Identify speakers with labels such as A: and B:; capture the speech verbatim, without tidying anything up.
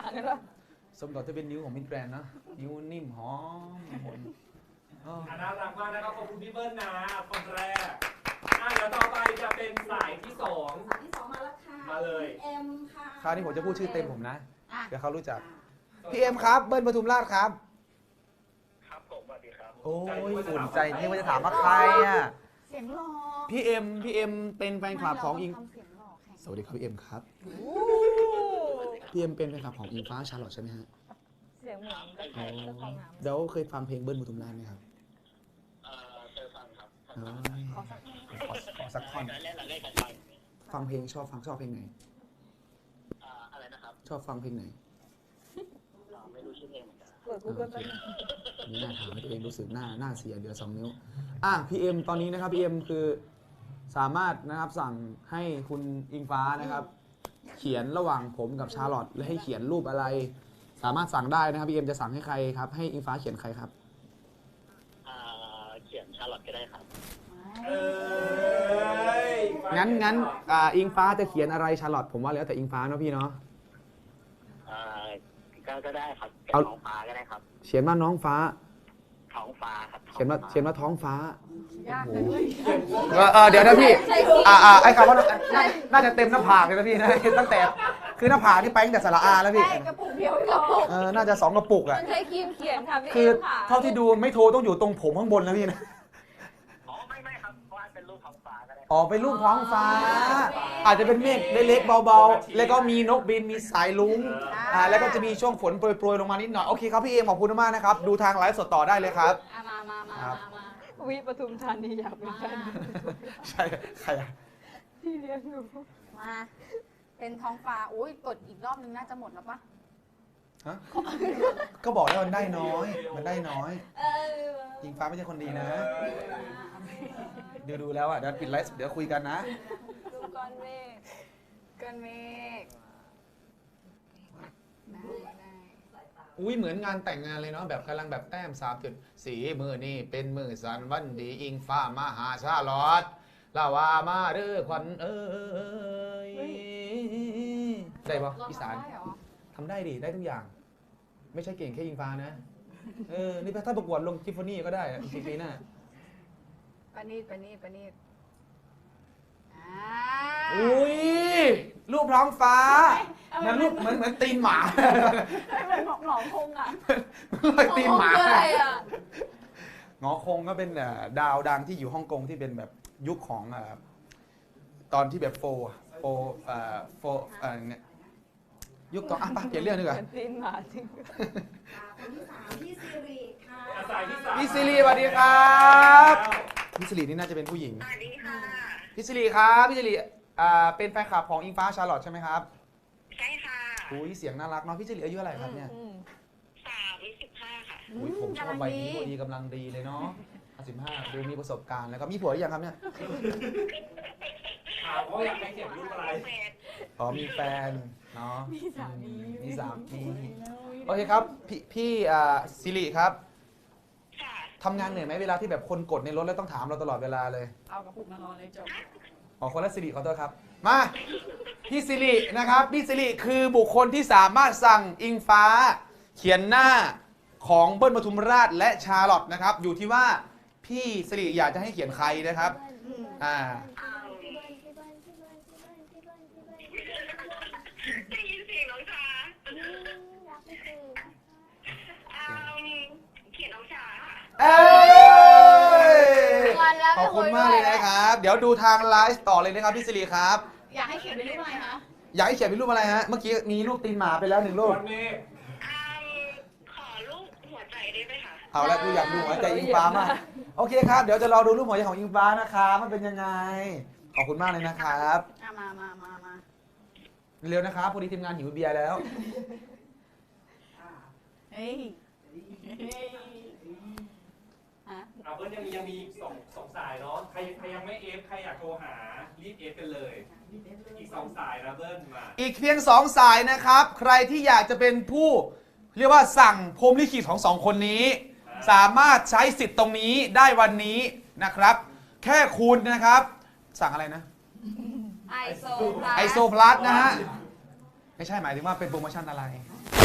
A: สมกับจะเป็นนิ้วของมิสแกรนด์นะนิ้วนิ่มหอมหน
B: น่ารักมากนะครับขอบคุณพี่เบิ้ลนะคนแรกอ่ะเดี๋ยวต่อไปจะเป็นสายที่สอง
C: สายที่สองมาแล้วค่ะ
B: มาเลย
C: เอ็มค่ะ
A: คราวนี้ผมจะพูดชื่อเต็มผมนะเดี๋ยวเขารู้จักพี่เอ็มครับเบิ้ลปทุมราชครับ
D: ครับผมสวัสดีครับ
A: โอ้ยอุ่นใจนี่ว่าจะถามว่าใครอ่ะ
C: เสียงหล่อ
A: พี่เอ็มพี่เอ็มเป็นแฟนคลับของอิงสวัสดีครับพี่เอ็มครับพี่เอ็มเป็นแฟนคลับของอิงฟ้าชาร์ลอตใช่ไหมฮะ
C: เสียงเหมือน
A: เดี๋ยวเคยฟังเพลงเบิ้ลปทุมราชไหมครับ
D: เอ่อเคยฟังครับ
A: ขอสักท่อนฟังเพลงชอบฟังชอบเพลงไหน
D: อะไรนะครับ
A: ชอบฟังเพลงไหน
D: ไม่รู้ชื่อเพลงเหมือนกัน
C: เปิดกูเกิลไป
A: นี่น่าถามให้ตัวเองรู้สึกหน้าหน้าเสียเดือสองนิ้วอ่ะพี่เอ็มตอนนี้นะครับพี่เอ็มคือสามารถนะครับสั่งให้คุณอิงฟ้านะครับเขียนระหว่างผมกับชาร์ลอตและให้เขียนรูปอะไรสามารถสั่งได้นะครับพี่เอ็มจะสั่งให้ใครครับให้อิงฟ้าเขียนใครครับ
D: เขียนชาร์ลอตก็ได้ครับ
A: งั้นงั้นอิงฟ้าจะเขียนอะไรชาร์ลอตผมว่าแล้วแต่อิงฟ้าเนาะพี่เนาะ
D: ก็ได้ครับเขียนท้องฟ้าก็ได้ครับ
A: เขียนว่าน้องฟ้า
D: ท้องฟ้าครับ
A: เขียนว่าเขียนว่าท้องฟ้า
C: โอ้โห
A: เออเดี๋ยวนะพี่อ่าอ่าไอ้คำว่าน่าจะเต็มหน้าผากเลยนะพี่นะตั้งแต่คือหน้าผากที่ไปตั้งแต่สระอาแล้วพี่
C: กระปุกเดียวกระปุก
A: เออน่าจะสองกระปุกอ่ะ
C: มันใช้ครีมเขียนค่ะพี่
A: คือเท่าที่ดูไม่โทรต้องอยู่ตรงผมข้างบนนะพี่นะ
D: อ๋อไม่ไม่ครับเพราะว่าเป็นรูปท้องฟ้าก็ได้
A: อ๋อเป็นรูปท้องฟ้าอาจจะเป็นเมฆเล็กๆเบาๆแล้วก็มีนกบินมีสายลุ้งอ่าแล้วก็จะมีช่วงฝนโปรยๆลงมานิดหน่อยโอเคครับพี่เอ็มขอบคุณมากนะครับดูทางไลฟ์สดต่อได้เลยครับ
C: มามามามาวิปทุมธานีอยากเป็นแฟน
A: ใช่ใคร
C: ที่เลี้ยงหนูมาเป็นท้องฟ้าอุ้ยกดอีกรอบนึงน่าจะหมดแล้วปะ
A: ฮะก็บอกแล้วมันได้น้อยมันได้น้อยอิงฟ้าไม่ใช่คนดีนะดูดูแล้วอ่ะเดี๋ยวปิดไลฟ์เดี๋ยวคุยกันนะ
C: ดูก้อนเมฆก้อนเมฆ
A: อุ้ยเหมือนงานแต่งงานเลยเนาะแบบกำลังแบบแต้มสามจุดสีมือนี่เป็นมือสันวันดีอิงฟ้ามาหาชาลอดลาวามาเด้อควันเอ้ยได้ปะอีสานทำได้ดิได้ทุกอย่างไม่ใช่เก่งแค่อิงฟ้านะเออนี่ถ้าประกวดลงทิฟฟานี่ก็ได้จริงๆนะ
C: ปานีดปานีดปานีด
A: อุ้ยรูปท้องฟ้าเหมือนรูปเหมือนเหมือนตีนหมา
C: เหมือนหงอคงอ่ะ
A: เหมือนตีนหมาหงอคงก็เป็นดาวดังที่อยู่ฮ่องกงที่เป็นแบบยุคของตอนที่แบบโฟโฟโฟเนี่ยยุคต่ออ่ะเปลี่ยนเรื่องดีกว่า
C: ตีนหมาจริง
E: คนที่สามพี่ซิริค่ะ
A: พี่ซิริสวัสดีครับพี่ซิรินี่น่าจะเป็นผู้หญิง
E: สวัสดีค่ะ
A: พี่ซิริครับพี่ซิริเป็นแฟนคลับของอิงฟ้าชาร์ลอตใช่ไหมครับ
E: ใช่ค่ะ
A: อุ้ยเสียงน่ารักเนาะพี่ซิริอายุเท่าไหร่ครับเนี่ย
E: สามสิบห้าค่ะ
A: อุ้ยผมชอบวัยนี้พอดีกำลังดีเลยเนาะสิบห้าดูมีประสบการณ์แล้วก็มีผัวหรือยังครับเนี่ย
B: ถามว่าอยากให้เขียนรูปอะไร
A: อ๋อมีแฟนเนาะ
C: มีสามี
A: มีสามีโอเคครับพี่พี่ซิริครับทำงานเหนื่อยไหมเวลาที่แบบคนกดในรถแล้วต้องถามเราตลอดเวลาเลย
C: เอากระปุกมารอเลยจบ
A: อ๋อคนละซิริขอโทษครับมาพี่ซิรินะครับพี่ซิริคือบุคคลที่สามารถสั่งอิงฟ้าเขียนหน้าของเบิ้ลปทุมราชและชาร์ลอตนะครับอยู่ที่ว่าพี่ซิริอยากจะให้เขียนใครนะครับอ่า
E: ได้ยินเสียงน้องชาเขียนน้องชา
A: เอ้ยขอบคุณมากเลยนะครับเดี๋ยวดูทางไลฟ์ต่อเลยนะครับพี่ซิริครับ
C: อยากให้เขียนเป็นรูปอะไรคะ
A: อยากให้เขียนเป็นรูปอะไรฮะเมื่อกี้มีรูปตีนหมาไปแล้วหนึ่งรูป
E: ขอรูปหัวใจได้ไหมคะ
A: เอาละกูอยากดูหัวใจอิงฟ้ามากโอเคครับเดี๋ยวจะรอดูรูปหัวใจของอิงฟ้านะครับมันเป็นยังไงขอบคุณมากเลยนะครับ
C: มามามามา
A: เร็วนะครับพอดีทีมงานหิวเบียร์แล้ว
C: เฮ้ย
B: อ่ะเบิ้ลยังมียังมีสองสองสายเนาะใครใครยังไม่เอฟใครอยากโทรหารีบเอฟกันเลยอีกสองสายนะเบิ้ลมา
A: อีกเพียงสองสายนะครับใครที่อยากจะเป็นผู้เรียกว่าสั่งพรหมลิขิตของสองคนนี้สามารถใช้สิทธิ์ตรงนี้ได้วันนี้นะครับแค่คุณนะครับสั่งอะไรนะ
C: ไอโซ
A: ไอโซพลัสนะฮะไม่ใช่หมายถึงว่าเป็นโปรโมชั่นอะไร